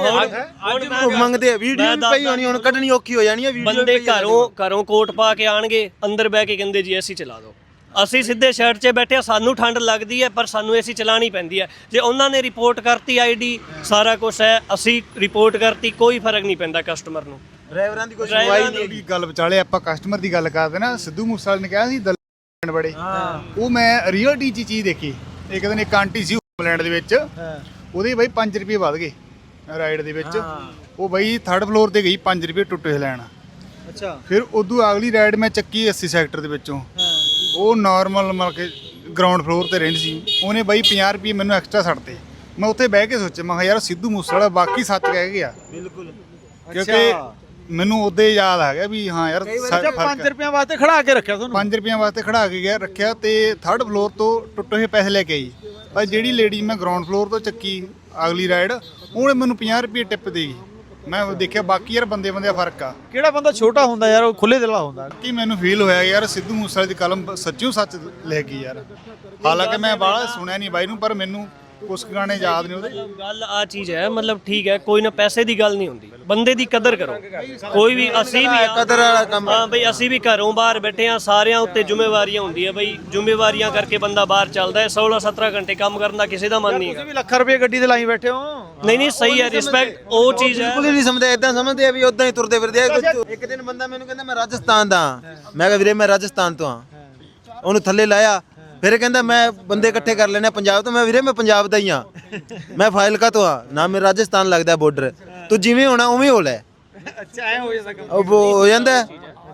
Speaker 3: ਆ। ਵੀਡੀਓ ਵੀ ਪਈ ਹੋਣੀ, ਹੁਣ ਕੱਢਣੀ ਔਖੀ ਹੋ ਜਾਣੀ ਹੈ।
Speaker 5: ਬੰਦੇ ਘਰੋਂ ਕੋਟ ਪਾ ਕੇ ਆਣਗੇ, ਅੰਦਰ ਬਹਿ ਕੇ ਕਹਿੰਦੇ ਜੀ ਏਸੀ ਚਲਾ ਦਿਓ। ਅਸੀਂ ਸਿੱਧੇ ਸ਼ਰਟ 'ਚ ਬੈਠੇ ਆ, ਸਾਨੂੰ ਠੰਡ ਲੱਗਦੀ ਹੈ ਪਰ ਸਾਨੂੰ ਏਸੀ ਚਲਾਣੀ ਪੈਂਦੀ ਹੈ। ਜੇ ਉਹਨਾਂ ਨੇ ਰਿਪੋਰਟ ਕਰਤੀ ਆਈਡੀ ਸਾਰਾ ਕੁਝ ਹੈ, ਅਸੀਂ ਰਿਪੋਰਟ ਕਰਤੀ, ਕੋਈ ਫਰਕ ਨਹੀਂ ਪੈਂਦਾ ਕਸਟਮਰ ਨੂੰ।
Speaker 3: ਡਰਾਈਵਰਾਂ ਦੀ ਕੋਈ ਸੁਣਵਾਈ ਨਹੀਂ।
Speaker 1: ਜਿਹੜੀ ਗੱਲ ਵਿਚਾਲੇ ਆਪਾਂ ਕਸਟਮਰ ਦੀ ਗੱਲ ਕਰਦੇ ਨਾ, ਸਿੱਧੂ ਮੂਸੇਵਾਲੇ ਨੇ ਕਿਹਾ ਸੀ ਦਲ ਬੜੇ, ਉਹ ਮੈਂ ਰੀਅਲਟੀ ਚ ਚੀਜ਼ ਦੇਖੀ। ਇੱਕ ਦਿਨ ਇੱਕ ਆਂਟੀ ਸੀ ਇੰਗਲੈਂਡ ਦੇ ਵਿੱਚ, ਉਹਦੇ ਬਾਈ 5 ਰੁਪਏ ਵੱਧ ਗਏ ਰਾਈਡ ਦੇ ਵਿੱਚ। ਉਹ ਬਾਈ 3rd ਫਲੋਰ ਤੇ ਗਈ 5 ਰੁਪਏ ਟੁੱਟੇ ਲੈਣ।
Speaker 2: ਅੱਛਾ,
Speaker 1: ਫਿਰ ਉਦੋਂ ਅਗਲੀ ਰਾਈਡ ਮੈਂ ਚੱਕੀ 80 ਸੈਕਟਰ ਦੇ ਵਿੱਚੋਂ। ਉਹ ਨਾਰਮਲ ਮਤਲਬ ਕਿ ਗਰਾਊਂਡ ਫਲੋਰ ਤੇ ਰਹਿੰਦੀ ਸੀ। ਉਹਨੇ ਬਾਈ 50 ਰੁਪਏ ਮੈਨੂੰ ਐਕਸਟਰਾ ਛੱਡਤੇ। ਮੈਂ ਉੱਥੇ ਬਹਿ ਕੇ ਸੋਚਿਆ, ਮੈਂ ਕਿਹਾ ਯਾਰ ਸਿੱਧੂ ਮੂਸੇਵਾਲਾ ਬਾਕੀ ਸੱਚ ਕਹਿ ਗਿਆ।
Speaker 3: ਬਿਲਕੁਲ,
Speaker 1: ਕਿਉਂਕਿ ਮੈਨੂੰ ਉਦੋਂ ਯਾਦ ਆ ਗਿਆ ਵੀ ਹਾਂ ਯਾਰ
Speaker 2: 5 ਰੁਪਏ ਵਾਸਤੇ ਖੜਾ ਕੇ ਰੱਖਿਆ ਤੁਹਾਨੂੰ।
Speaker 1: 5 ਰੁਪਏ ਵਾਸਤੇ ਖੜਾ ਕੇ ਗਿਆ ਰੱਖਿਆ ਤੇ 3rd ਫਲੋਰ ਤੋਂ ਟੁੱਟੇ ਹੋਏ ਪੈਸੇ ਲੈ ਕੇ ਆਈ। ਪਰ ਜਿਹੜੀ ਲੇਡੀ ਮੈਂ ਗਰਾਊਂਡ ਫਲੋਰ ਤੋਂ ਚੱਕੀ ਅਗਲੀ ਰਾਈਡ, ਉਹਨੇ ਮੈਨੂੰ 50 ਰੁਪਏ ਟਿਪ ਦੇ ਗਈ। ਮੈਂ ਦੇਖਿਆ ਬਾਕੀ ਯਾਰ ਬੰਦੇ ਦਾ ਫਰਕ ਆ।
Speaker 2: ਕਿਹੜਾ ਬੰਦਾ ਛੋਟਾ ਹੁੰਦਾ ਯਾਰ, ਉਹ ਖੁੱਲੇ ਦਿਲ ਵਾਲਾ ਹੁੰਦਾ।
Speaker 1: ਕਿ ਮੈਨੂੰ ਫੀਲ ਹੋਇਆ ਯਾਰ ਸਿੱਧੂ ਮੂਸੇਵਾਲੇ ਦੀ ਕਲਮ ਸੱਚਿਓ ਸੱਚ ਲੈ ਗਈ ਯਾਰ। ਹਾਲਾਂਕਿ ਮੈਂ ਬਾਹਲਾ ਸੁਣਿਆ ਨਹੀਂ ਬਾਈ ਨੂੰ, ਪਰ ਮੈਨੂੰ ਕੁਝ ਗਾਣੇ ਯਾਦ ਨੇ ਉਹਦੇ।
Speaker 5: ਗੱਲ ਆ ਚੀਜ਼ ਹੈ, ਮਤਲਬ ਠੀਕ ਹੈ, ਕੋਈ ਨਾ ਪੈਸੇ ਦੀ ਗੱਲ ਨਹੀਂ ਹੁੰਦੀ, ਬੰਦੇ ਦੀ ਕਦਰ ਕਰੋ। ਕੋਈ ਵੀ ਅਸੀਂ ਵੀ
Speaker 3: ਕਦਰ ਵਾਲਾ ਕੰਮ।
Speaker 5: ਹਾਂ ਬਈ, ਅਸੀਂ ਵੀ ਘਰੋਂ ਬਾਹਰ ਬੈਠੇ ਆ, ਸਾਰਿਆਂ ਉੱਤੇ ਜ਼ਿੰਮੇਵਾਰੀਆਂ ਹੁੰਦੀਆਂ ਬਈ। ਜ਼ਿੰਮੇਵਾਰੀਆਂ ਕਰਕੇ ਬੰਦਾ ਬਾਹਰ ਚੱਲਦਾ ਹੈ। 16-17 ਘੰਟੇ ਕੰਮ ਕਰਨ ਦਾ ਕਿਸੇ ਦਾ ਮਨ ਨਹੀਂ
Speaker 2: ਤੁਸੀਂ ਵੀ ਲੱਖ ਰੁਪਏ ਗੱਡੀ ਤੇ ਲਾਈ ਬੈਠੇ ਹੋ।
Speaker 5: ਨਹੀਂ ਸਹੀ ਹੈ, ਰਿਸਪੈਕਟ ਉਹ ਚੀਜ਼ ਹੈ।
Speaker 3: ਬਿਲਕੁਲ ਹੀ ਨਹੀਂ ਸਮਝਦੇ, ਇਦਾਂ ਸਮਝਦੇ ਆ ਵੀ ਉਦਾਂ ਹੀ ਤੁਰਦੇ ਫਿਰਦੇ ਆ। ਇੱਕ ਦਿਨ ਬੰਦਾ ਮੈਨੂੰ ਕਹਿੰਦਾ ਮੈਂ ਰਾਜਸਥਾਨ ਦਾ। ਮੈਂ ਕਿਹਾ ਵੀਰੇ ਮੈਂ ਰਾਜਸਥਾਨ ਤੋਂ ਆ। ਉਹਨੂੰ ਥੱਲੇ ਲਾਇਆ, ਫਿਰ ਕਹਿੰਦਾ ਮੈਂ ਬੰਦੇ ਇਕੱਠੇ ਕਰ ਲੈਣੇ ਪੰਜਾਬ ਤੋਂ। ਮੈਂ ਵੀਰੇ ਮੈਂ ਪੰਜਾਬ ਦਾ ਹੀ ਆ, ਮੈਂ ਫਾਜ਼ਿਲਕਾ ਤੋਂ ਆ ਨਾ, ਮੇਰੇ ਰਾਜਸਥਾਨ ਲੱਗਦਾ ਬਾਰਡਰ। ਤੂੰ ਜਿਵੇਂ ਹੋਣਾ ਉਵੇਂ ਹੋ ਲੈ।
Speaker 2: ਅੱਛਾ, ਐ ਹੋ ਜਾਂਦਾ ਕੰਮ।
Speaker 3: ਉਹ ਹੋ ਜਾਂਦਾ।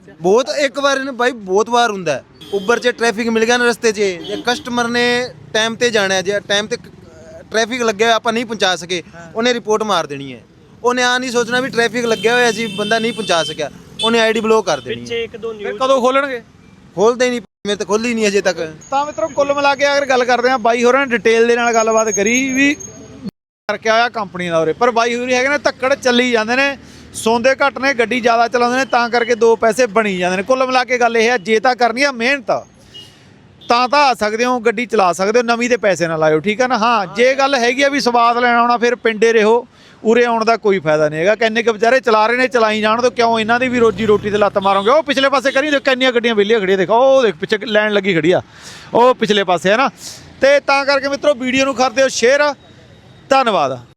Speaker 3: ਬਹੁਤ ਇੱਕ ਵਾਰ ਨੇ ਬਾਈ ਬਹੁਤ ਵਾਰ ਹੁੰਦਾ ਉਬਰ 'ਚ ਟ੍ਰੈਫਿਕ ਮਿਲ ਗਿਆ ਨਾ ਰਸਤੇ 'ਚ ਜੇ ਕਸਟਮਰ ਨੇ ਟਾਈਮ ਤੇ ਜਾਣਾ ਜੇ ਟਾਈਮ ਤੇ ਟ੍ਰੈਫਿਕ ਲੱਗਿਆ ਆਪਾਂ ਨਹੀਂ ਪਹੁੰਚਾ ਸਕੇ ਉਹਨੇ ਰਿਪੋਰਟ ਮਾਰ ਦੇਣੀ ਹੈ ਉਹਨੇ ਆ ਨਹੀਂ ਸੋਚਣਾ ਵੀ ਟ੍ਰੈਫਿਕ ਲੱਗਿਆ ਹੋਇਆ ਸੀ ਬੰਦਾ ਨਹੀਂ ਪਹੁੰਚਾ ਸਕਿਆ ਉਹਨੇ ਆਈਡੀ ਬਲੌਕ ਕਰ ਦੇਣੀ
Speaker 5: ਪਿੱਛੇ ਇੱਕ ਦੋ
Speaker 2: ਫਿਰ
Speaker 5: ਨਿਊਜ਼
Speaker 2: ਕਦੋਂ ਖੋਲਣਗੇ?
Speaker 3: ਖੋਲਦੇ ਹੀ ਨਹੀਂ ਮੇਰੇ ਤਾਂ ਖੋਲੀ ਨਹੀਂ ਅਜੇ ਤੱਕ
Speaker 2: ਤਾਂ ਮਿੱਤਰੋ ਕੁੱਲ ਮਿਲਾ ਕੇ ਅਗਰ ਗੱਲ ਕਰਦੇ ਆ ਬਾਈ ਹੋਰਾਂ ਨੇ ਡਿਟੇਲ ਦੇ ਨਾਲ ਗੱਲਬਾਤ ਕਰੀ ਵੀ ਕਰਕੇ ਆਇਆ ਕੰਪਨੀ ਦਾ ਉਰੇ ਪਰ ਬਾਈ ਹੋਰੀ ਹੈਗੇ ਨੇ ਧੱਕੜ ਚੱਲੀ ਜਾਂਦੇ ਨੇ ਸੌਂਦੇ ਘੱਟ ਨੇ ਗੱਡੀ ਜ਼ਿਆਦਾ ਚਲਾਉਂਦੇ ਨੇ ਤਾਂ ਕਰਕੇ ਦੋ ਪੈਸੇ ਬਣੀ ਜਾਂਦੇ ਨੇ ਕੁੱਲ ਮਿਲਾ ਕੇ ਗੱਲ ਇਹ ਹੈ ਜੇ ਤਾਂ ਕਰਨੀ ਆ ਮਿਹਨਤ ਤਾਂ ਆ ਸਕਦੇ ਹੋ ਗੱਡੀ ਚਲਾ ਸਕਦੇ ਹੋ ਨਵੀਂ ਦੇ ਪੈਸੇ ਨਾ ਲਾਇਓ ਠੀਕ ਹੈ ਨਾ ਹਾਂ ਜੇ ਗੱਲ ਹੈਗੀ ਆ ਵੀ ਸਵਾਦ ਲੈਣ ਆਉਣਾ ਫਿਰ ਪਿੰਡੇ ਰਹੋ ਉਰੇ ਆਉਣ ਦਾ ਕੋਈ ਫਾਇਦਾ ਨਹੀਂ ਹੈਗਾ ਕਿੰਨੇ ਕੁ ਵਿਚਾਰੇ ਚਲਾ ਰਹੇ ਨੇ ਚਲਾਈ ਜਾਣ ਤੋਂ ਕਿਉਂ ਇਹਨਾਂ ਦੀ ਵੀ ਰੋਜੀ ਰੋਟੀ ਤੇ ਲੱਤ ਮਾਰੋਗੇ ਉਹ ਪਿਛਲੇ ਪਾਸੇ ਕਰੀ ਦੇਖੋ ਕਿੰਨੀਆਂ ਗੱਡੀਆਂ ਵਿਹਲੀਆਂ ਖੜੀਆਂ ਦੇਖੋ ਉਹ ਦੇਖ ਪਿੱਛੇ ਲਾਈਨ ਲੱਗੀ ਖੜੀ ਆ ਉਹ ਪਿਛਲੇ ਪਾਸੇ ਹੈ ਨਾ ਤੇ ਤਾਂ ਕਰਕੇ ਮਿੱਤਰੋ ਵੀਡੀਓ ਨੂੰ ਕਰਦੇ ਹੋ ਸ਼ੇਅਰ ਧੰਨਵਾਦ।